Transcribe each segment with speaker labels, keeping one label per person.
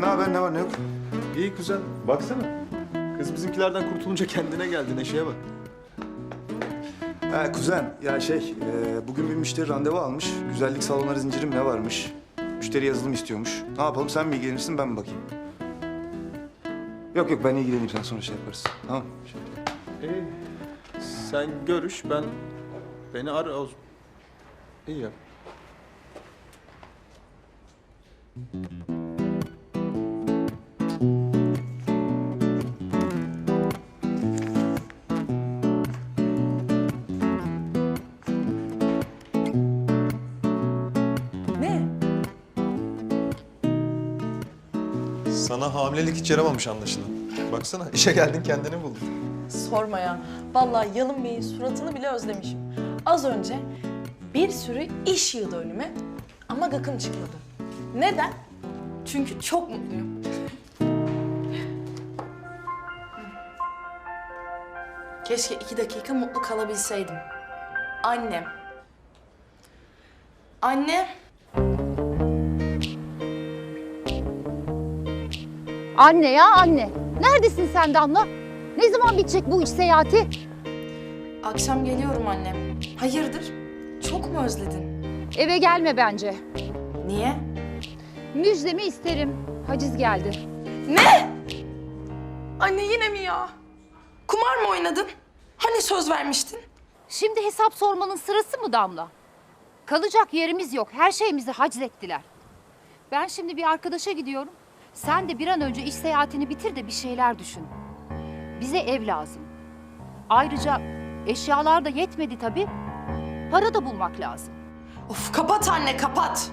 Speaker 1: ne haber? Ne var ne yok?
Speaker 2: İyi kuzen. Baksana. Kız bizimkilerden kurtulunca kendine geldi. Neşeye bak.
Speaker 1: Ha kuzen, ya bugün bir müşteri randevu almış. Güzellik salonları zincirim ne varmış? Müşteri yazılım istiyormuş. Ne yapalım, sen mi ilgilenirsin, ben mi bakayım? Yok ben ilgileneyim, sen sonra şey yaparız. Tamam.
Speaker 2: İyi. Sen görüş, beni ara o. İyi ya.
Speaker 3: Ne?
Speaker 2: Sana hamilelik hiç yaramamış anlaşılan. Baksana, işe geldin kendini buldun.
Speaker 3: Sorma ya. Vallahi Yalın Bey'in suratını bile özlemişim. Az önce bir sürü iş yığdı önüme ama gıkım çıkıyordu. Neden? Çünkü çok mutluyum. Keşke 2 dakika mutlu kalabilseydim. Annem. Anne.
Speaker 4: Anne ya anne. Neredesin sen Damla? Ne zaman bitecek bu iş seyahati?
Speaker 3: Akşam geliyorum annem. Hayırdır? Çok mu özledin?
Speaker 4: Eve gelme bence.
Speaker 3: Niye?
Speaker 4: Müjdemi isterim. Haciz geldi.
Speaker 3: Ne? Anne yine mi ya? Kumar mı oynadın? Hani söz vermiştin?
Speaker 4: Şimdi hesap sormanın sırası mı Damla? Kalacak yerimiz yok. Her şeyimizi haczettiler. Ben şimdi bir arkadaşa gidiyorum. Sen de bir an önce iş seyahatini bitir de bir şeyler düşün. Bize ev lazım. Ayrıca eşyalar da yetmedi tabii. Para da bulmak lazım.
Speaker 3: Of kapat anne kapat.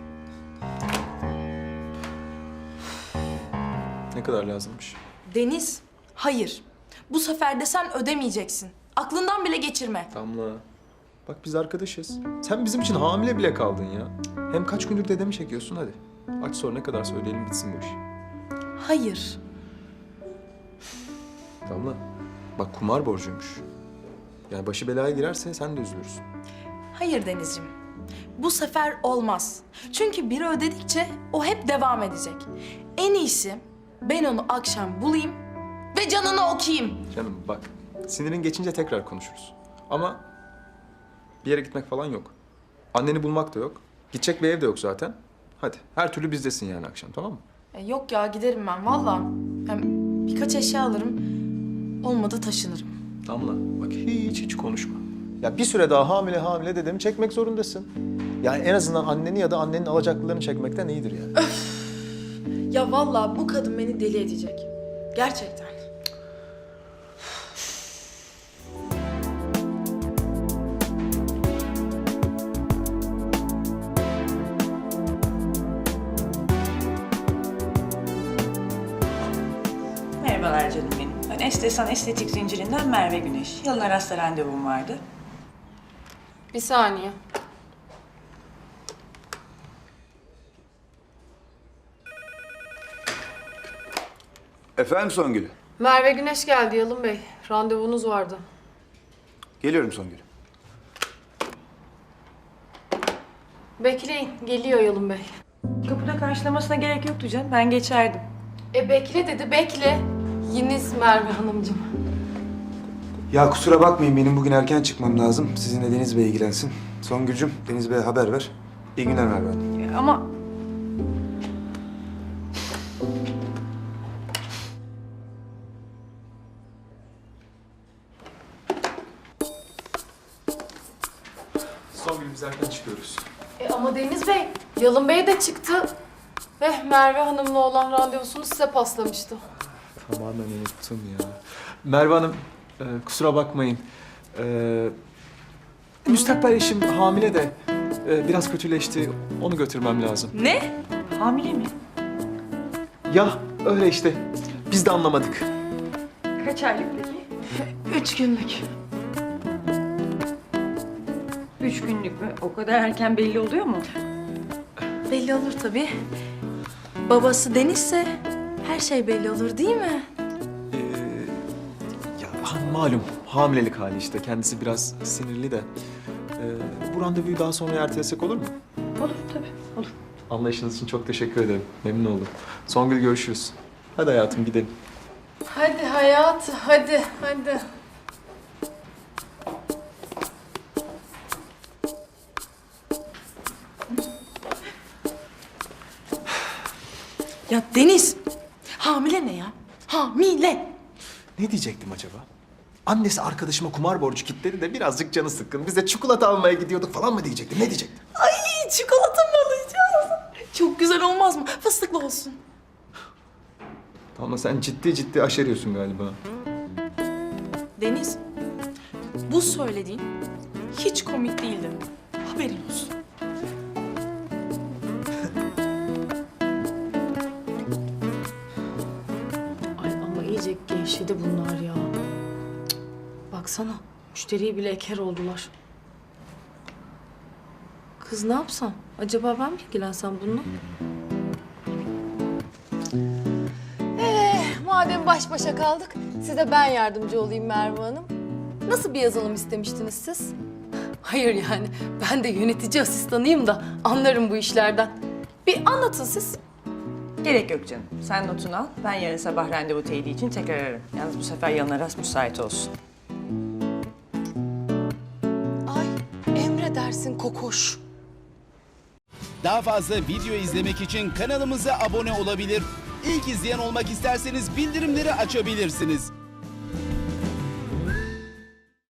Speaker 2: Ne kadar lazımmış?
Speaker 3: Deniz, hayır. Bu sefer de sen ödemeyeceksin. Aklından bile geçirme.
Speaker 2: Damla. Bak biz arkadaşız. Sen bizim için hamile bile kaldın ya. Hem kaç gündür dedemi çekiyorsun hadi. Aç sor ne kadar söyleyelim bitsin bu iş.
Speaker 3: Hayır.
Speaker 2: Damla. Bak kumar borcuymuş. Yani başı belaya girerse sen de üzülürsün.
Speaker 3: Hayır Denizciğim. Bu sefer olmaz. Çünkü biri ödedikçe o hep devam edecek. En iyisi ben onu akşam bulayım ve canını okuyayım.
Speaker 2: Canım bak sinirin geçince tekrar konuşuruz. Ama bir yere gitmek falan yok. Anneni bulmak da yok. Gidecek bir ev de yok zaten. Hadi her türlü bizdesin yani akşam tamam mı?
Speaker 3: Yok ya giderim ben valla. Hem birkaç eşya alırım. Olmadı taşınırım.
Speaker 2: Damla bak hiç konuşma. Ya bir süre daha hamile dedemi çekmek zorundasın. Yani en azından anneni ya da annenin alacaklılarını çekmekten iyidir yani.
Speaker 3: Ya vallahi bu kadın beni deli edecek. Gerçekten.
Speaker 5: Merhabalar canım benim. Ben Estesan Estetik Zincirinden Merve Güneş. Yalın Aras'ta randevum vardı.
Speaker 6: Bir saniye.
Speaker 1: Efendim Songül?
Speaker 6: Merve Güneş geldi Yalın Bey. Randevunuz vardı.
Speaker 1: Geliyorum Songül.
Speaker 6: Bekleyin. Geliyor Yalın Bey.
Speaker 5: Kapıda karşılamasına gerek yoktu canım. Ben geçerdim.
Speaker 6: Bekle dedi. Bekle. Yiniz Merve Hanımcığım.
Speaker 1: Ya kusura bakmayın, benim bugün erken çıkmam lazım. Sizinle Deniz Bey ilgilensin. Songül'cüm, Deniz Bey'e haber ver. İyi günler Merve Hanım.
Speaker 5: Ama
Speaker 2: Son gün biz erken çıkıyoruz.
Speaker 6: Ama Deniz Bey, Yalın Bey de çıktı. Ve Merve Hanım'la olan randevusunu size paslamıştı.
Speaker 2: Tamamen unuttum ya. Merve Hanım kusura bakmayın. Müstakbel eşim hamile de biraz kötüleşti. Onu götürmem lazım.
Speaker 5: ne? Hamile mi?
Speaker 2: Ya öyle işte. Biz de anlamadık.
Speaker 5: Kaç aylık peki?
Speaker 3: 3 günlük.
Speaker 5: 3 günlük mü? O kadar erken belli oluyor mu?
Speaker 3: Belli olur tabii. Babası Deniz'se her şey belli olur değil mi?
Speaker 2: Ya malum hamilelik hali işte. Kendisi biraz sinirli de. Bu randevuyu daha sonra ertelesek olur mu?
Speaker 5: Olur tabii, olur.
Speaker 2: Anlayışınız için çok teşekkür ederim. Memnun oldum. Songül görüşürüz. Hadi hayatım gidelim.
Speaker 6: Hadi hayat, hadi, hadi.
Speaker 3: Ya Deniz, hamile ne ya? Hamile.
Speaker 2: Ne diyecektim acaba? Annesi arkadaşıma kumar borcu kilitledi de birazcık canı sıkkın. Biz de çikolata almaya gidiyorduk falan mı diyecektim? Ne diyecektim?
Speaker 3: Ay çikolata mı alacağız? Çok güzel olmaz mı? Fıstıklı olsun.
Speaker 2: Ama sen ciddi ciddi aşeriyorsun galiba.
Speaker 3: Deniz, bu söylediğin hiç komik değildi. Haberin olsun.
Speaker 6: Ay ama iyice gevşedi bunlar ya. Cık, baksana, müşteriyi bile eker oldular. Kız ne yapsam? Acaba ben mi ilgilensem bununla? Madem baş başa kaldık, size ben yardımcı olayım Merve Hanım. Nasıl bir yazılım istemiştiniz siz? Hayır yani, ben de yönetici asistanıyım da anlarım bu işlerden. Bir anlatın siz.
Speaker 5: Gerek yok canım. Sen notunu al. Ben yarın sabah randevu teyidi için tekrar ararım. Yalnız bu sefer Yalın Aras müsait olsun.
Speaker 6: Ay, emredersin kokoş.
Speaker 7: Daha fazla video izlemek için kanalımıza abone olabilir. İlk izleyen olmak isterseniz bildirimleri açabilirsiniz.